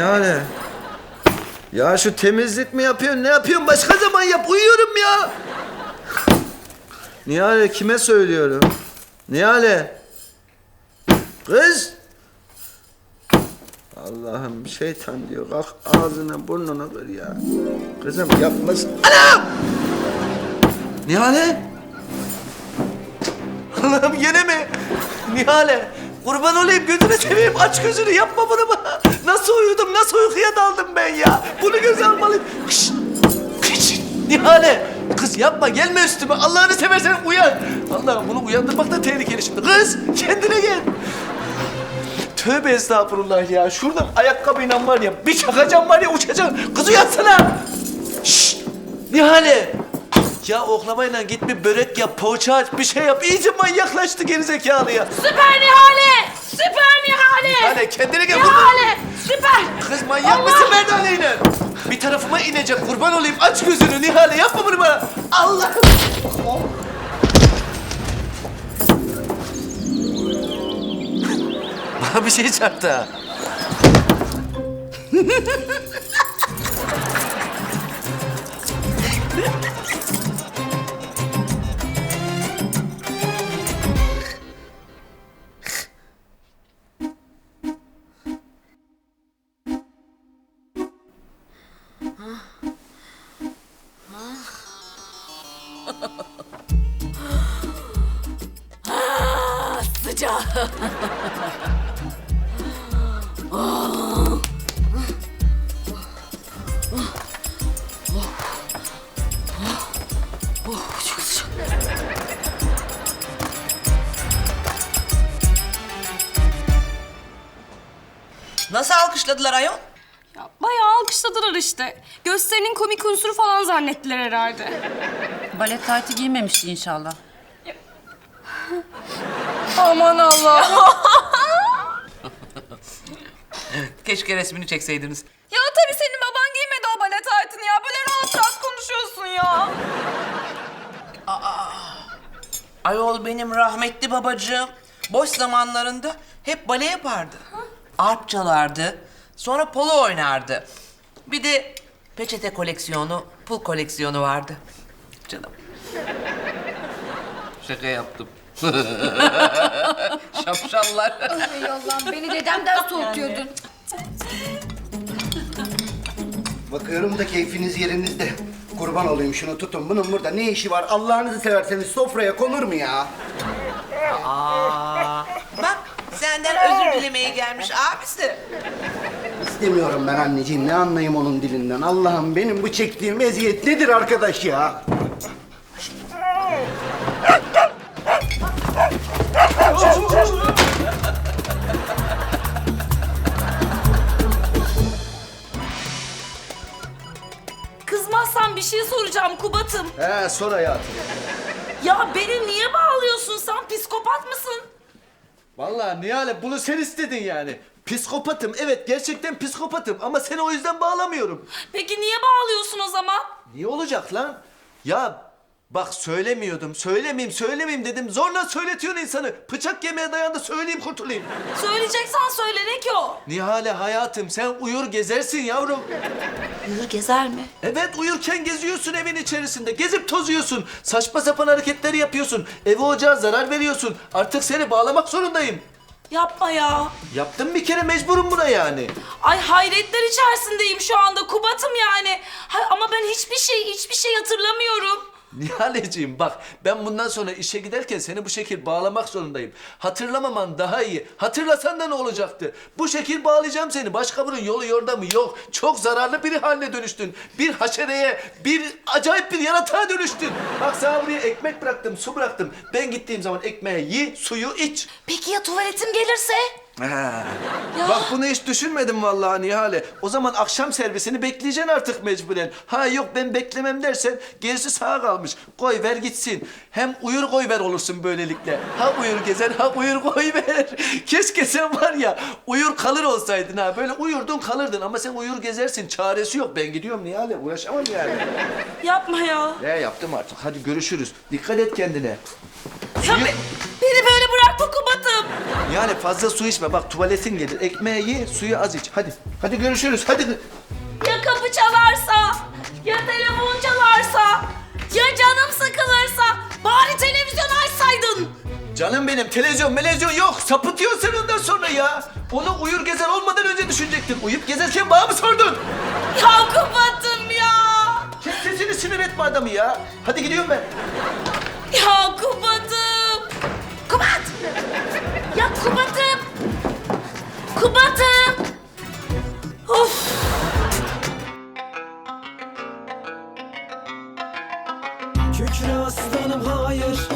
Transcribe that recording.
Nihale. Ya şu temizlik mi yapıyorsun? Ne yapıyorsun? Başka zaman yap. Uyuyorum ya. Nihale kime söylüyorum? Nihale. Kız. Allah'ım şeytan diyor. Kalk ağzına burnuna kır ya. Kızım yapmasın. Anam! Nihale. Allah'ım yine mi? Nihale. Kurban olayım gözünü seveyim. Aç gözünü yapma bunu bana. Nasıl uyudum? Nasıl uykuya daldım ben ya? Bunu göze almalıyım. Kış. Kış. Nihale. Kız yapma gelme üstüme. Allah'ını seversen uyan. Allah'ım bunu uyandırmak da tehlikeli şimdi. Kız kendine gel. Tövbe estağfurullah ya. Şuradan ayakkabıyla var ya bir çakacağım var ya uçacaksın. Kız uyansana. Şşt. Nihale. Ya oklamayla git bir börek yap, poğaça aç, bir şey yap. İyice manyaklaştı gerizekalı ya. Süper Nihale! Süper Nihale! Nihale kendine gel. Nihale! Süper! Kız manyak mısın Merdane'yle? Bir tarafıma inecek kurban olayım. Aç gözünü Nihale yapma bunu bana. Allah'ım. Bana bir şey çarptı ha. Sıcak. Çok sıcak. Nasıl alkışladılar ayol? Ya bayağı alkışladılar işte. Gösterinin komik unsuru falan zannettiler herhalde. Balet taytı giymemişti inşallah. Aman Allah. Keşke resmini çekseydiniz. Ya tabii senin baban giymedi o balet taytını ya. Böyle rahat rahat konuşuyorsun ya. Ayol benim rahmetli babacığım boş zamanlarında hep bale yapardı. Arp çalardı. Sonra polo oynardı. Bir de peçete koleksiyonu, pul koleksiyonu vardı. Canım. Şaka yaptım. Şapşallar. Ey Allah'ım beni dedemden soğutuyordun. Bakıyorum da keyfiniz yerinizde. Kurban olayım şunu tutun. Bunun burada ne işi var? Allah'ınızı severseniz sofraya konur mu ya? Bak senden özür dilemeye gelmiş abisi. İstemiyorum ben anneciğim. Ne anlayayım onun dilinden? Allah'ım benim bu çektiğim eziyet nedir arkadaş ya? Kızmazsan bir şey soracağım Kubat'ım. He sor hayatım. Ya beni niye bağlıyorsun sen? Psikopat mısın? Vallahi Nihale bunu sen istedin yani. Psikopatım evet gerçekten psikopatım ama seni o yüzden bağlamıyorum. Peki niye bağlıyorsun o zaman? Niye olacak lan? Ya bak söylemeyeyim dedim. Zorla söyletiyorsun insanı. Bıçak yemeye dayandı söyleyeyim kurtulayım. Söyleyeceksen söyle ne ki o? Nihale hayatım sen uyur gezersin yavrum. Yürü gezer mi? Evet uyurken geziyorsun evin içerisinde. Gezip tozuyorsun. Saçma sapan hareketleri yapıyorsun. Eve ocağa zarar veriyorsun. Artık seni bağlamak zorundayım. Yapma ya. Yaptım bir kere mecburum buna yani. Ay hayretler içerisindeyim şu anda Kubat'ım yani. Ama ben hiçbir şey hatırlamıyorum. Nihaleciğim bak ben bundan sonra işe giderken seni bu şekil bağlamak zorundayım. Hatırlamaman daha iyi. Hatırlasan da ne olacaktı? Bu şekil bağlayacağım seni. Başka bunun yolu yordamı yok. Çok zararlı biri haline dönüştün. Bir haşereye, bir acayip bir yaratığa dönüştün. Bak sana buraya ekmek bıraktım, su bıraktım. Ben gittiğim zaman ekmeği yi, suyu iç. Peki ya tuvaletim gelirse? Ha. Ya. Bak bunu hiç düşünmedim vallahi Nihale. O zaman akşam servisini bekleyeceksin artık mecburen. Ha yok ben beklemem dersen gerisi sağa kalmış. Koy ver gitsin. Hem uyur koy ver olursun böylelikle. Ha uyur gezer ha uyur koy ver. Keşke sen var ya uyur kalır olsaydın ha. Böyle uyurdun kalırdın ama sen uyur gezersin. Çaresi yok. Ben gidiyorum Nihale uğraşamam yani. Yapma ya. Ne yaptım artık hadi görüşürüz. Dikkat et kendine. Ya beni böyle bırakma mu Kubat'ım? Yani fazla su içme. Bak tuvaletin gelir. Ekmeği ye, suyu az iç. Hadi. Hadi görüşürüz. Hadi. Ya kapı çalarsa? Ya telefon çalarsa? Ya canım sıkılırsa? Bari televizyon açsaydın. Canım benim televizyon yok. Sapıtıyorsun ondan sonra ya. Onu uyur gezer olmadan önce düşünecektin. Uyup gezerken bana mı sordun? Ya Kubat'ım ya. Kes sesini, sinir etme adamı ya. Hadi gidiyorum ben. Ya Kubat'ım. Kubat. Ya Kubat'ım. Kubat'ım. Of. Kükre aslanım hayır